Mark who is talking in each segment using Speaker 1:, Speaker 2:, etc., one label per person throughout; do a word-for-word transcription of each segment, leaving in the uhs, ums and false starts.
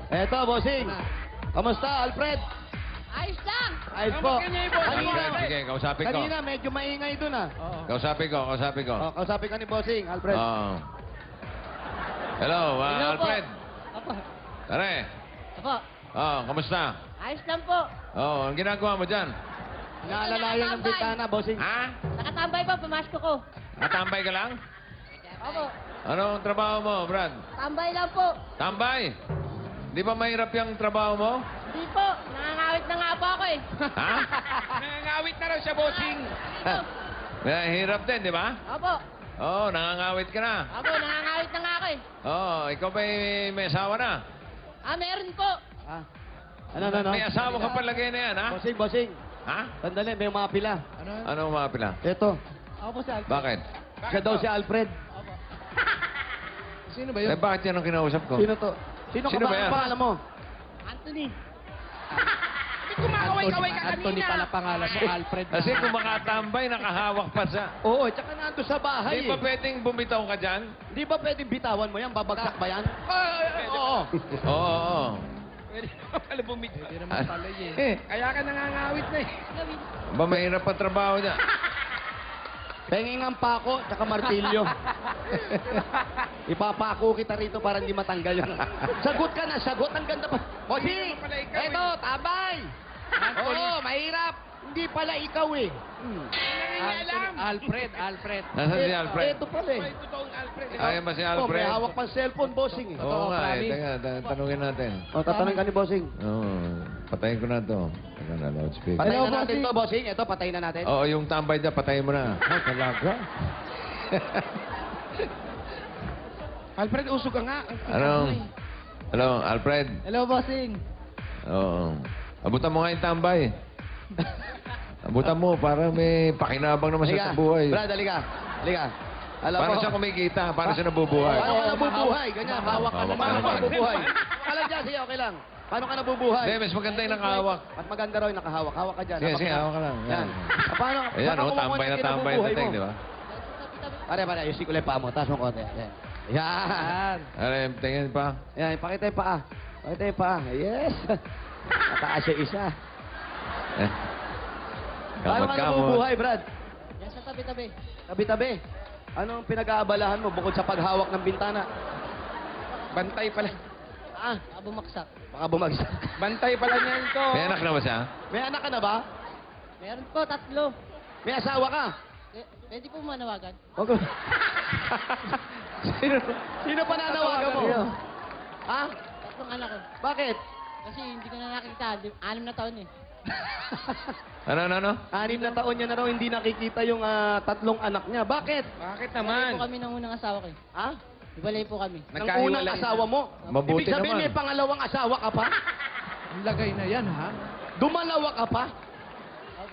Speaker 1: Eto, bossing. Kamusta, Alfred?
Speaker 2: Ayos lang!
Speaker 1: Ayos po.
Speaker 3: Sige, sige, kausapin ko.
Speaker 1: Kanina, medyo maingay dun ah.
Speaker 3: Kausapin ko, kausapin ko.
Speaker 1: Oh, kausapin ka ni bossing, Alfred.
Speaker 3: Oo. Hello, ah,
Speaker 2: Hello po.
Speaker 3: Alfred.
Speaker 2: Apo.
Speaker 3: Tare.
Speaker 2: Apo.
Speaker 3: Oh, kamusta?
Speaker 2: Ayos lang po.
Speaker 3: Oh, ang ginagawa mo dyan?
Speaker 1: Inaalalayan ng bintana, bossing.
Speaker 3: Ha?
Speaker 2: Nakatambay po, pamasko ko.
Speaker 3: Natambay ka lang?
Speaker 2: Opo.
Speaker 3: Anong trabaho mo, Brad?
Speaker 2: Tambay lang po.
Speaker 3: Tambay? Di ba mahirap yung trabaho mo?
Speaker 2: Hindi po. Nangangawit na nga po ako eh.
Speaker 3: Ha?
Speaker 4: Nangangawit na raw siya, bossing.
Speaker 3: Mahirap din, di ba?
Speaker 2: Opo.
Speaker 3: Oo, oh, nangangawit ka na.
Speaker 2: Opo, nangangawit na nga ako eh.
Speaker 3: Oo, oh, ikaw ba may asawa na?
Speaker 2: Ah, meron po.
Speaker 1: Ah. Ano, ano, ano?
Speaker 3: May asawa ka palagay na yan, ha?
Speaker 1: Bossing, bossing.
Speaker 3: Ha?
Speaker 1: Sandali, may mga pila.
Speaker 3: Ano mga pila?
Speaker 1: Eto.
Speaker 2: Ako po si Alfred.
Speaker 3: Bakit?
Speaker 1: Siya daw si Alfred.
Speaker 4: Sino ba
Speaker 3: Eh, bakit yan ang kinausap ko?
Speaker 1: Sino to? Sino,
Speaker 3: Sino
Speaker 1: ka
Speaker 3: ba
Speaker 1: ba?
Speaker 3: yan?
Speaker 1: Ang pangalan mo?
Speaker 2: Anthony.
Speaker 4: Hindi kumakaway-kaway ka
Speaker 1: Anthony
Speaker 4: kanina.
Speaker 1: pala pangalan mo, Alfred.
Speaker 3: Kasi kung makatambay, nakahawak pa sa...
Speaker 1: Oo, tsaka nando sa bahay.
Speaker 3: Di ba
Speaker 1: eh.
Speaker 3: pwedeng bumitaw ka dyan?
Speaker 1: Di ba pwedeng bitawan mo yan? Babagsak ba yan?
Speaker 4: Oo.
Speaker 3: Oo, oo, oo.
Speaker 4: Pwede naman pala bumitaw. Pwede naman pala eh.
Speaker 3: Eh,
Speaker 4: Kaya ka nangangawit na eh.
Speaker 2: Gawin.
Speaker 3: ba mahirap pa trabaho niya?
Speaker 1: Penging ang pako, tsaka martilyo. Ipapako kita rito para hindi matanggal yan. Sagot ka na, sagot. Ang ganda pa. Bossing!
Speaker 4: Hindi pala ikaw
Speaker 1: Eto, tabay! Oo, mahirap. Hindi pala ikaw eh. Hmm.
Speaker 4: Nangingialam.
Speaker 1: Alfred, Alfred.
Speaker 3: Nasaan si Alfred?
Speaker 1: Ito pala eh.
Speaker 4: May totoong Alfred.
Speaker 3: Ayan ba si
Speaker 1: Oh, may
Speaker 3: Alfred?
Speaker 1: hawak pang cellphone, bossing eh.
Speaker 3: Oo nga eh. Teka, ta- tanungin natin.
Speaker 1: Oh, tatanungin ka ni bossing.
Speaker 3: Oo, patayin ko na to. Teka na, loudspeaker.
Speaker 1: Patayin na natin to, bossing. Ito, patayin na natin.
Speaker 3: Oo, yung tambay niya, patayin mo na.
Speaker 1: Oh, talaga?
Speaker 4: Alfred, usog ka nga.
Speaker 3: Anong? Hello, Alfred?
Speaker 2: Hello, bossing.
Speaker 3: Oo. Abutan mo nga yung tambay. Abutan mo para may pakinabang naman siya sa buhay.
Speaker 1: Brad, halika. Halika. Alam
Speaker 3: Paano
Speaker 1: mo,
Speaker 3: siya kumikita? Paano siya nabubuhay?
Speaker 1: Paano ka nabubuhay? Ganyan, hawak ka
Speaker 3: Hawak
Speaker 1: naman.
Speaker 3: ka
Speaker 1: Paano ka
Speaker 3: naman.
Speaker 1: nabubuhay? Wala dyan, sige, okay lang. Paano ka nabubuhay?
Speaker 3: Hindi, mas maganda yung nakahawak.
Speaker 1: Mas maganda raw yung nakahawak. Hawak ka dyan.
Speaker 3: Sige, sige,
Speaker 1: Napakita.
Speaker 3: hawak ka lang.
Speaker 1: Yan.
Speaker 3: Yan.
Speaker 1: Ah, Paano,
Speaker 3: Ayan,
Speaker 1: paano
Speaker 3: oh,
Speaker 1: kumukuha
Speaker 3: tambay
Speaker 1: ng
Speaker 3: na tambay
Speaker 1: kinabubuhay
Speaker 3: na tek,
Speaker 1: mo?
Speaker 3: di ba?
Speaker 1: Pare, pare, ayusin ko lang yung paa mo. Taas mo konti. Yan. Yan.
Speaker 3: Ano, tingin pa.
Speaker 1: Yan, pakita yung paa. Pakita yung paa. Yes. Mataas yung isa.
Speaker 3: Eh.
Speaker 1: Paano ka
Speaker 3: Kamot-kamot.
Speaker 1: nabubuhay, Brad?
Speaker 2: Yan sa tabi-tabi.
Speaker 1: Tabi-tabi. Anong pinag-aabalahan mo bukod sa paghawak ng bintana?
Speaker 4: Bantay pala.
Speaker 1: Ah,
Speaker 2: Baka bumaksak.
Speaker 1: baka bumagsak.
Speaker 4: Bantay pala niya ito.
Speaker 3: May anak na ba siya?
Speaker 1: May anak ka na ba?
Speaker 2: Meron po, tatlo.
Speaker 1: May asawa ka?
Speaker 2: Eh, Pwede po manawagan.
Speaker 1: Wag sino, sino pa nanawagan mo? Ha?
Speaker 2: Tatlong anak ko.
Speaker 1: Bakit?
Speaker 2: Kasi hindi ko na nakikita. Di- Anim na taon eh.
Speaker 3: Ano, ano, ano?
Speaker 1: Anim na taon niya na raw hindi nakikita yung ah, tatlong anak niya. Bakit?
Speaker 4: Bakit
Speaker 2: Hiwalay po
Speaker 4: naman?
Speaker 2: kami ng unang asawa ko eh.
Speaker 1: Ha?
Speaker 2: Hiwalay po kami.
Speaker 1: Ng unang asawa mo?
Speaker 3: Mabuti
Speaker 1: Ibig sabihin
Speaker 3: naman.
Speaker 1: may pangalawang asawa ka pa?
Speaker 4: Ang lagay na yan, ha?
Speaker 1: Dumalawa ka pa?
Speaker 2: Opo.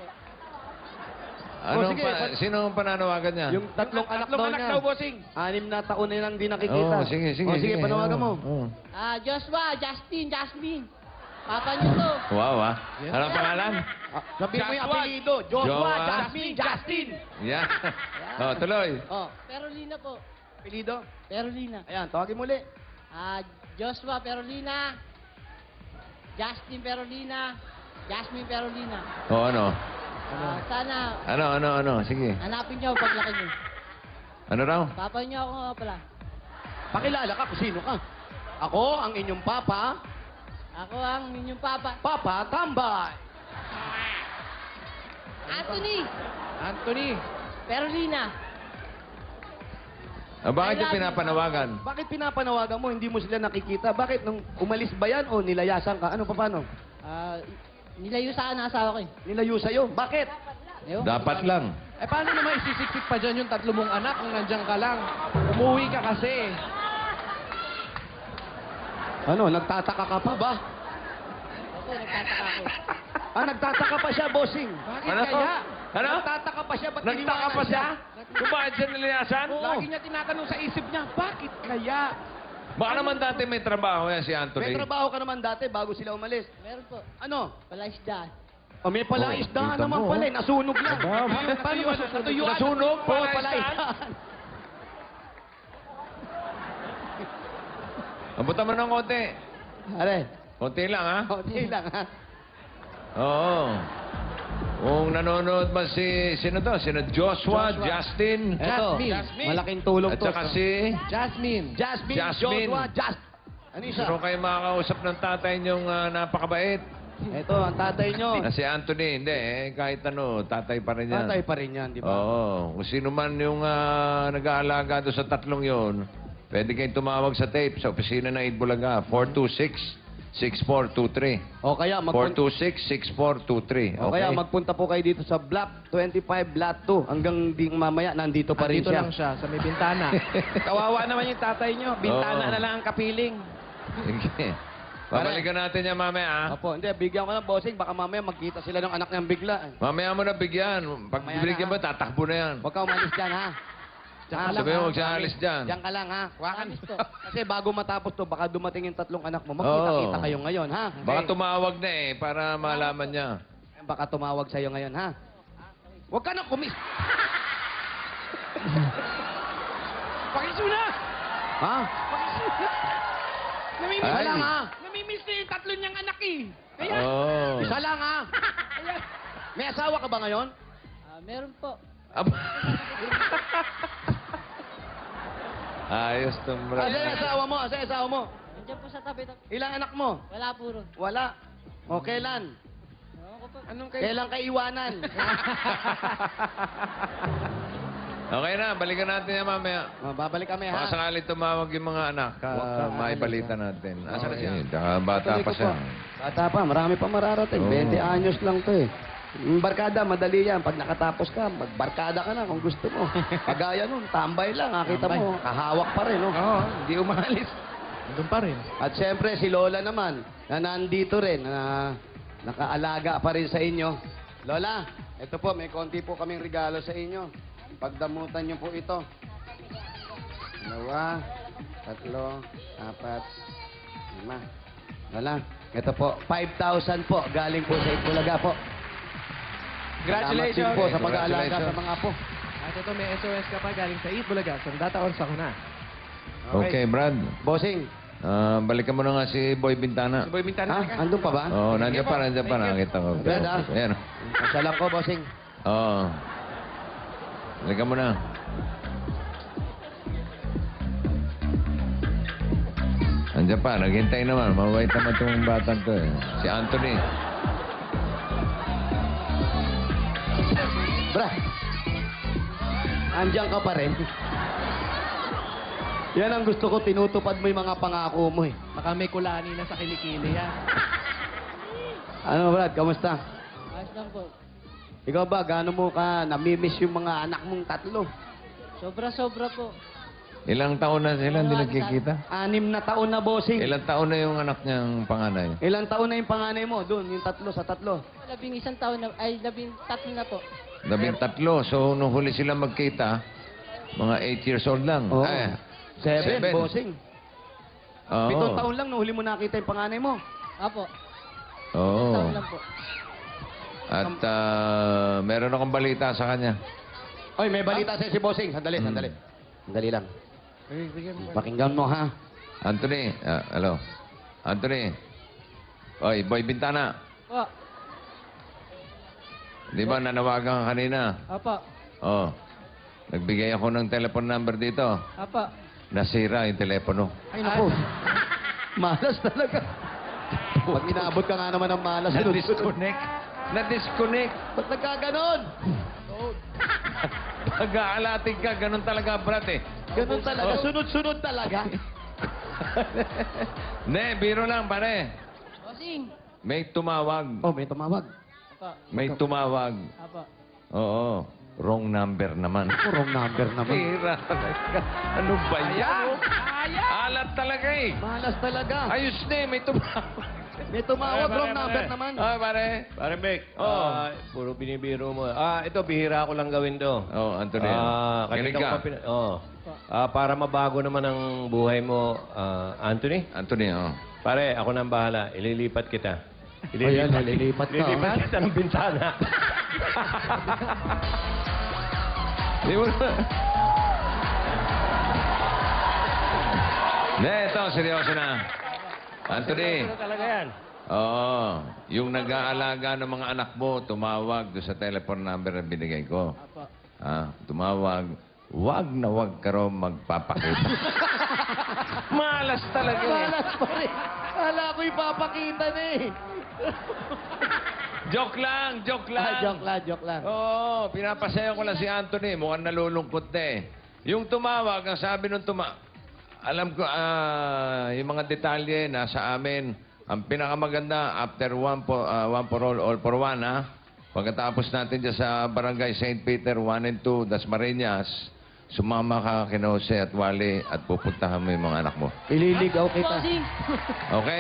Speaker 3: Ano
Speaker 1: Oh, sige,
Speaker 3: pa,
Speaker 1: pa-
Speaker 3: sino ang pananawagan niya?
Speaker 1: Yung tatlong anak
Speaker 4: Tatlong
Speaker 1: daw
Speaker 4: anak
Speaker 1: niya.
Speaker 4: daw, bossing.
Speaker 1: Anim na taon na lang hindi
Speaker 3: Oo,
Speaker 1: nakikita.
Speaker 3: sige, sige.
Speaker 1: Oh, sige, panawagan mo.
Speaker 3: Oo, oo.
Speaker 2: Ah, Joshua, Justin, Jasmine. Papa niyo to.
Speaker 3: Wow, ah. Anong pangalan?
Speaker 1: Ah, sabihin mo yung
Speaker 4: Joshua.
Speaker 1: apelido. Joshua,
Speaker 3: Joa.
Speaker 1: Jasmine, Justin.
Speaker 3: Yan. Oh, tuloy.
Speaker 1: Oh,
Speaker 2: Perolina po.
Speaker 1: apelido.
Speaker 2: Perolina.
Speaker 1: Ayan, tawagin muli.
Speaker 2: Ah, Joshua Perolina. Justin Perolina. Jasmine Perolina.
Speaker 3: Oh, ano?
Speaker 2: Ah, sana
Speaker 3: Ano, ano, ano? Sige.
Speaker 2: hanapin niyo paglaki niyo.
Speaker 3: Ano raw?
Speaker 2: Papa niyo ako nga pala.
Speaker 1: Pakilala ka kung sino ka. Ako, ang inyong papa,
Speaker 2: Ako ang inyong papa.
Speaker 1: Papa Tambay.
Speaker 2: Anthony
Speaker 4: Anthony.
Speaker 2: Perolina.
Speaker 3: Ah, bakit
Speaker 2: I
Speaker 3: yung
Speaker 2: love you,
Speaker 3: pinapanawagan?
Speaker 1: Bakit pinapanawagan mo, hindi mo sila nakikita? Bakit nung umalis ba yan o nilayasan ka? Ano pa paano?
Speaker 2: Ah, nilayo sa akin ang asawa ko eh.
Speaker 1: Nilayo sa'yo? Bakit?
Speaker 2: Ewan ko.
Speaker 3: Dapat lang.
Speaker 4: Eh, paano naman isisiksik pa dyan yung tatlo mong anak kung nandiyan ka lang? Umuwi ka kasi.
Speaker 1: Ano, nagtataka ka pa ba?
Speaker 2: Opo, nagtataka ako.
Speaker 1: Ah, nagtataka pa siya, bossing.
Speaker 4: Bakit
Speaker 3: Ano?
Speaker 4: kaya?
Speaker 3: Ano?
Speaker 1: Nagtataka pa siya, ba't
Speaker 3: Nagtaka
Speaker 1: iniwanan
Speaker 3: pa siya? Kung bakit siya nilayasan?
Speaker 4: Lagi niya tinatanong sa isip niya, bakit kaya?
Speaker 3: Baka naman dati may trabaho yan si Anthony.
Speaker 1: May trabaho ka naman dati bago sila umalis.
Speaker 2: Meron po.
Speaker 1: Ano?
Speaker 2: Palaisdaan.
Speaker 1: O may pala
Speaker 3: Oh,
Speaker 1: isdaan
Speaker 3: kita
Speaker 1: naman
Speaker 3: mo,
Speaker 1: pala,
Speaker 3: oh.
Speaker 1: eh. Nasunog lang.
Speaker 3: Aba,
Speaker 1: Paano
Speaker 4: natuyuan,
Speaker 1: masusunog?
Speaker 4: natuyuan.
Speaker 3: Nasunog?
Speaker 1: Oo,
Speaker 3: Pala
Speaker 1: pala
Speaker 3: isdaan?
Speaker 1: isdaan.
Speaker 3: Abutan mo ng konti.
Speaker 1: Are,
Speaker 3: Konti lang, ha?
Speaker 1: konti lang ha.
Speaker 3: Oo. Kung nanonood ba si, sino to? Sino Joshua,
Speaker 4: Joshua.
Speaker 3: Justin,
Speaker 1: Eto,
Speaker 4: Jasmine.
Speaker 1: malaking tulong
Speaker 3: at
Speaker 1: to.
Speaker 3: saka si...
Speaker 4: Jasmine.
Speaker 1: Jasmine,
Speaker 3: Jasmine.
Speaker 1: Joshua, Just. Ano isa?
Speaker 3: Sino kayo makakausap ng tatay niyong ah, napakabait?
Speaker 1: Ito, ang tatay nyo.
Speaker 3: Na si Anthony, hindi eh. Kahit ano, tatay pa rin yan.
Speaker 1: Tatay pa rin yan, di ba?
Speaker 3: Oo. Kung sino man yung ah, nag-aalaga doon sa tatlong yon, pwede kayong tumawag sa tape sa opisina ng Eid Bulaga. four two six, six four two three.
Speaker 1: O kaya,
Speaker 3: four
Speaker 1: magpunta,
Speaker 3: two six, six four two three.
Speaker 1: o kaya magpunta po kayo dito sa Block twenty-five, Lot two. Hanggang di mamaya, nandito pa rin
Speaker 4: Dito
Speaker 1: siya.
Speaker 4: lang siya, sa may bintana.
Speaker 2: Kawawa naman yung tatay nyo. Bintana
Speaker 3: Oo.
Speaker 2: na lang ang kapiling.
Speaker 3: Sige. Babalikan natin yan mamaya, ha?
Speaker 1: Opo, hindi, bigyan ko ng bossing. Baka mamaya magkita sila ng anak niyang bigla. eh.
Speaker 3: Mamaya mo na bigyan. Pag
Speaker 1: Mamaya
Speaker 3: binigyan
Speaker 1: na,
Speaker 3: mo, tatakbo na yan.
Speaker 1: Huwag ka umalis dyan, ha?
Speaker 4: Diyan
Speaker 1: Ha?
Speaker 4: ka lang,
Speaker 3: Sabi mo,
Speaker 4: ha?
Speaker 3: huwag siya alis dyan.
Speaker 1: Diyan ka lang, ha?
Speaker 2: Promise to.
Speaker 1: Kasi bago matapos to, baka dumating yung tatlong anak mo. Magkita-kita
Speaker 3: Oo.
Speaker 1: kayo ngayon, ha?
Speaker 3: Baka tumawag na eh, para malaman niya.
Speaker 1: Baka tumawag sa'yo ngayon, ha? Huwag ka na kumis...
Speaker 2: Pakisuna!
Speaker 1: Ha?
Speaker 2: Pakisuna! Namimiss
Speaker 3: Ay.
Speaker 2: lang ha. Namimiss na yung tatlo niyang anak eh. Kaya,
Speaker 3: Oh.
Speaker 1: Isa lang, ha? May asawa ka ba ngayon?
Speaker 2: Ah, meron po.
Speaker 3: Aba. Ayos tong brad.
Speaker 1: Asa yung asawa mo? Asa yung asawa mo?
Speaker 2: Nandiyan po sa tabi.
Speaker 1: Ilang anak mo?
Speaker 2: Wala po ron.
Speaker 1: Wala. O kailan?
Speaker 2: Ewan ko po.
Speaker 4: Anong kayo?
Speaker 1: Kailan ka iwanan?
Speaker 3: Okay na, balikan natin yan mamaya.
Speaker 1: O, babalik kami, ha?
Speaker 3: Baka sakali tumawag yung mga anak,
Speaker 1: Huwag ka
Speaker 3: uh, maibalita
Speaker 1: aalis,
Speaker 3: natin. Asa na
Speaker 1: Okay.
Speaker 3: siya? Tsaka bata
Speaker 1: Tuloy
Speaker 3: pa
Speaker 1: ko
Speaker 3: siya.
Speaker 1: po. Bata pa, marami pa mararating.
Speaker 3: Oo.
Speaker 1: twenty anyos lang to eh. Yung barkada, madali yan. Pag nakatapos ka, magbarkada ka na kung gusto mo. Pagaya nun, tambay lang. Nakita
Speaker 4: Tambay.
Speaker 1: mo, kahawak pa rin. No?
Speaker 4: Oo, hindi umalis. Doon pa rin.
Speaker 1: At siyempre, si Lola naman, na nandito rin, na nakaalaga pa rin sa inyo. Lola, ito po, may konti po kaming regalo sa inyo. Pagdamutan niyo po ito. Dalawa, tatlo, apat, lima. Lola, ito po, five thousand po, galing po sa Itbulaga po. Salamat din po sa pag-aalaga sa mga apo.
Speaker 4: At ito, may S O S ka pa galing sa Eat Bulaga. Sandata or sakuna.
Speaker 3: Okay, Brad.
Speaker 1: Bossing,
Speaker 3: Ah, balikan mo na nga si Boy Bintana.
Speaker 4: Boy Bintana.
Speaker 1: ha? Andun pa ba?
Speaker 3: Oo, oh, nandiyan pa, nandiyan pa. Nakita ko.
Speaker 1: Brad, ah.
Speaker 3: Ayan.
Speaker 1: Masya lang ko, bossing.
Speaker 3: Oo. Balikan mo na. Nandiyan pa, naghintay naman. Mabait naman itong batang to eh. Si Anthony.
Speaker 1: Bra, andyan ka pa rin. Yan ang gusto ko, tinutupad mo yung mga pangako mo eh.
Speaker 4: Baka may kulani na sa kilikili yan.
Speaker 1: Ano, Brad, kamusta?
Speaker 2: Ayos lang po.
Speaker 1: Ikaw ba, gaano mo ka namimiss yung mga anak mong tatlo?
Speaker 2: Sobra-sobra po.
Speaker 3: Ilang taon na sila hindi nagkikita?
Speaker 1: Anim na taon na, bossing.
Speaker 3: Ilang taon na yung anak niyang panganay?
Speaker 1: Ilang taon na yung panganay mo? Doon, yung tatlo sa tatlo.
Speaker 2: Labing isang taon na, ay labing tatlo na po.
Speaker 3: Labing tatlo. So, nung huli sila magkita, mga eight years old lang.
Speaker 1: Oo.
Speaker 3: Ay,
Speaker 1: Seven,
Speaker 3: Seven.
Speaker 1: bossing.
Speaker 3: oo.
Speaker 1: Pitong taon lang nung huli mo nakita yung panganay mo.
Speaker 2: Apo.
Speaker 3: Oo.
Speaker 2: Taon lang po.
Speaker 3: At ah, meron akong balita sa kanya.
Speaker 1: Oy, may balita sa'yo si bossing. Sandali,
Speaker 3: Hmm.
Speaker 1: sandali. Sandali lang.
Speaker 4: Ay, bigyan mo.
Speaker 1: Pakinggan mo, ha?
Speaker 3: Anthony, ah, hello. Anthony. Oy, Boy Bintana.
Speaker 2: Po.
Speaker 3: Di ba nanawagan ka kanina?
Speaker 2: Apo.
Speaker 3: Oh. Nagbigay ako ng telephone number dito.
Speaker 2: Apo.
Speaker 3: Nasira yung telepono.
Speaker 1: Ay, naku. Malas talaga. Pag inabot ka nga naman ng malas,
Speaker 3: Na-disconnect. Na-disconnect.
Speaker 1: ba't nagkaganon?
Speaker 3: Pag-aalating ka, ganun talaga, brat eh.
Speaker 1: Ganun talaga,
Speaker 3: Oh.
Speaker 1: sunod-sunod talaga.
Speaker 3: Ne, biro lang, pare.
Speaker 2: Bossing.
Speaker 3: May tumawag.
Speaker 1: Oh, may tumawag.
Speaker 2: Apo.
Speaker 3: May tumawag.
Speaker 2: Apo.
Speaker 3: Oo. Wrong number naman.
Speaker 1: Wrong number naman.
Speaker 3: Pira talaga. Ano ba yan? Alat talaga eh.
Speaker 1: Malas talaga.
Speaker 3: Ayos na eh, may tumawag.
Speaker 1: May tumawag, wrong number naman.
Speaker 3: Ah, pare.
Speaker 5: Pare Mek,
Speaker 3: Oo.
Speaker 5: ah, puro binibiro mo. Ah, ito, bihira ko lang gawin to.
Speaker 3: Oh, Anthony.
Speaker 5: Ah,
Speaker 3: Kinig
Speaker 5: kanina ko
Speaker 3: ka.
Speaker 5: pa pina- oh. Ah, para mabago naman ang buhay mo, ah, Anthony.
Speaker 3: Anthony, oh.
Speaker 5: Pare, ako nang bahala. Ililipat kita.
Speaker 1: Ayan, nalilipat ka.
Speaker 5: Ililipat
Speaker 1: oh.
Speaker 5: kita ng bintana.
Speaker 3: Di mo na. Ne, ito, seryoso na. Anthony.
Speaker 5: Ano talaga yan?
Speaker 3: Oo. Yung nag-aalaga ng mga anak mo, tumawag doon sa telephone number na binigay ko.
Speaker 2: Apo.
Speaker 3: Ah, tumawag. Wag na wag ka raw magpapakita. Malas talaga eh.
Speaker 1: Malas pa rin. Kala ko ipapakita na eh.
Speaker 3: Joke lang, joke lang.
Speaker 1: Ah, joke lang, joke lang.
Speaker 3: Oo, pinapasayo ko lang si Anthony. Mukhang nalulungkot na eh. Yung tumawag, ang sabi nung tuma... Alam ko, ah, yung mga detalye nasa amin. Ang pinakamaganda, after one, po, ah, one for all, all for one, ha? Pagkatapos natin dyan sa Barangay Saint Peter, one and two, Dasmariñas, sumama ka kina Jose at Wally at pupuntahan mo yung mga anak mo.
Speaker 1: Ililigaw kita.
Speaker 2: Bossing.
Speaker 3: Okay?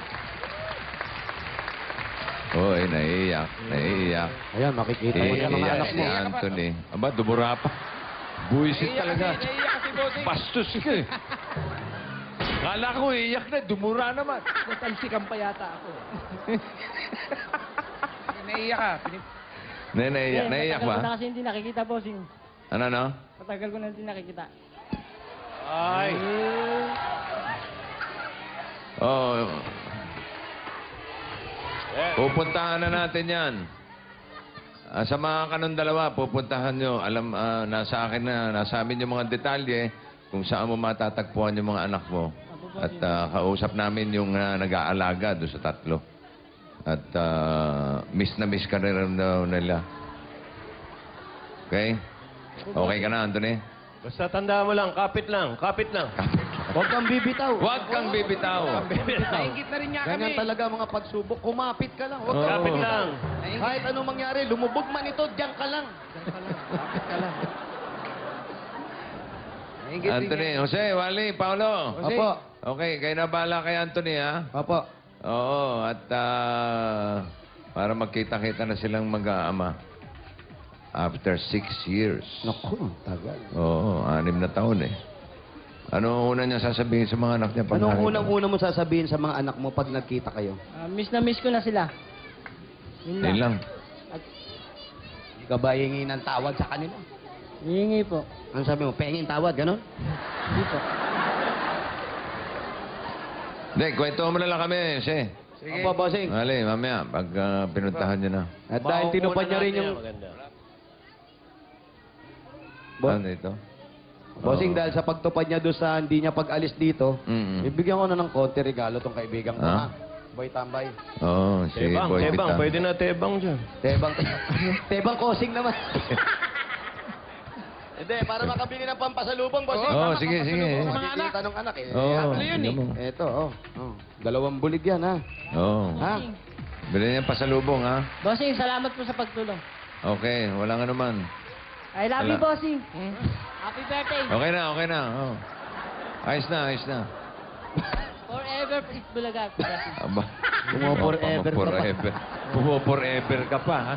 Speaker 3: Uy, naiiyak, naiiyak.
Speaker 1: Ayan, makikita mo yung mga
Speaker 3: Iiyak
Speaker 1: anak
Speaker 3: si
Speaker 1: mo.
Speaker 3: Anthony. Aba, dumura pa. Buisit talaga. Bastos ka eh. Kala ko iiyak na, dumura naman.
Speaker 4: Natalsikan pa yata ako.
Speaker 2: Naiiyak ka.
Speaker 3: Na, naiiyak, naiiyak
Speaker 2: Matagal ko na
Speaker 3: ba?
Speaker 2: kasi hindi nakikita, bossing.
Speaker 3: Ano, no?
Speaker 2: Matagal ko na hindi nakikita.
Speaker 5: Ay!
Speaker 3: Oo. Pupuntahan na natin yan. Ah, sa mga kanong dalawa, pupuntahan nyo. Alam, ah, nasa akin na, nasa amin yung mga detalye kung saan mo matatagpuan yung mga anak mo. At ah, kausap namin yung ah, nag-aalaga doon sa tatlo. At ah, miss na miss ka na rin daw nila. Okay? Okay ka na, Anthony?
Speaker 5: Basta tandaan mo lang, kapit lang, kapit lang.
Speaker 1: Huwag kang bibitaw.
Speaker 3: Huwag kang bibitaw.
Speaker 4: Naingit na rin niya kami.
Speaker 1: Ganyan talaga mga pagsubok. Kumapit ka lang. Huwag kang
Speaker 3: Oo.
Speaker 5: Kapit lang.
Speaker 1: Kahit anong mangyari, lumubog man ito, diyan ka lang.
Speaker 4: Kapit ka lang.
Speaker 3: Anthony, Jose, Wally, Paolo.
Speaker 1: Opo.
Speaker 3: Okay, kayo na bala kay Anthony, ha?
Speaker 1: Opo.
Speaker 3: Oo, at ah, para magkita-kita na silang mag-aama. After six years.
Speaker 1: Naku, tagal.
Speaker 3: Oo, anim na taon eh. Ano ang una niya sasabihin sa mga anak niya? pag
Speaker 1: Anong
Speaker 3: nakita?
Speaker 1: unang-una mo sasabihin sa mga anak mo pag nagkita kayo?
Speaker 2: Ah, miss na miss ko na sila. Yun lang.
Speaker 3: Yun lang.
Speaker 1: Hindi ka ba hingi ng tawad sa kanila?
Speaker 2: Hihingi po.
Speaker 1: Ano sabi mo? Pengin tawad, ganon?
Speaker 2: Hindi po.
Speaker 3: Hindi, kwento mo na lang kami, Jose.
Speaker 1: Opo, bossing.
Speaker 3: Mali, mamaya, pag ah, pinuntahan niyo na.
Speaker 1: At dahil tinupad niya rin yung...
Speaker 5: Maganda.
Speaker 1: Bo-
Speaker 3: Ano ito?
Speaker 1: Bossing,
Speaker 3: Oo.
Speaker 1: dahil sa pagtupad niya doon sa hindi niya pag-alis dito,
Speaker 3: Mm-mm.
Speaker 1: ibigyan ko na ng konti regalo tong kaibigan ko,
Speaker 3: Ah?
Speaker 1: ha? Boy Tambay.
Speaker 3: Oo, si
Speaker 5: Tebang,
Speaker 3: Boy
Speaker 5: tebang.
Speaker 3: Pita.
Speaker 5: Pwede na tebang dyan.
Speaker 1: Tebang, tebang kosing naman. Hindi, para makabili ng pampasalubong, bossing.
Speaker 3: Oo,
Speaker 1: Tama,
Speaker 3: sige, sige.
Speaker 1: pampasalubong.
Speaker 3: Mga
Speaker 1: Makikita ng anak, eh.
Speaker 3: Oo,
Speaker 1: Ano
Speaker 3: yun eh.
Speaker 1: Ito, oh. oh. Dalawang bulig yan, ha?
Speaker 3: Oo.
Speaker 1: Ha?
Speaker 3: Bilhin niya pasalubong, ha?
Speaker 2: Bossing, salamat po sa pagtulong.
Speaker 3: Okay, walang ano man.
Speaker 2: I love you,
Speaker 3: Wala.
Speaker 2: bossing. Happy birthday.
Speaker 3: Okay na, okay na. Oh. Ayos na, ayos na.
Speaker 2: Forever, Prince Bulaga. bossing.
Speaker 3: Aba.
Speaker 1: Pumo-forever ka pa.
Speaker 3: Pumo-forever. Pumo-forever ka pa, ha?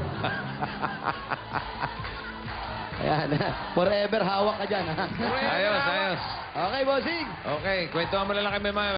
Speaker 1: Ayan, ha? Forever hawak ka dyan, ha?
Speaker 3: Ayos, ayos.
Speaker 1: Okay, bossing.
Speaker 3: Okay, kwentuhan mo na lang kami, ma'am.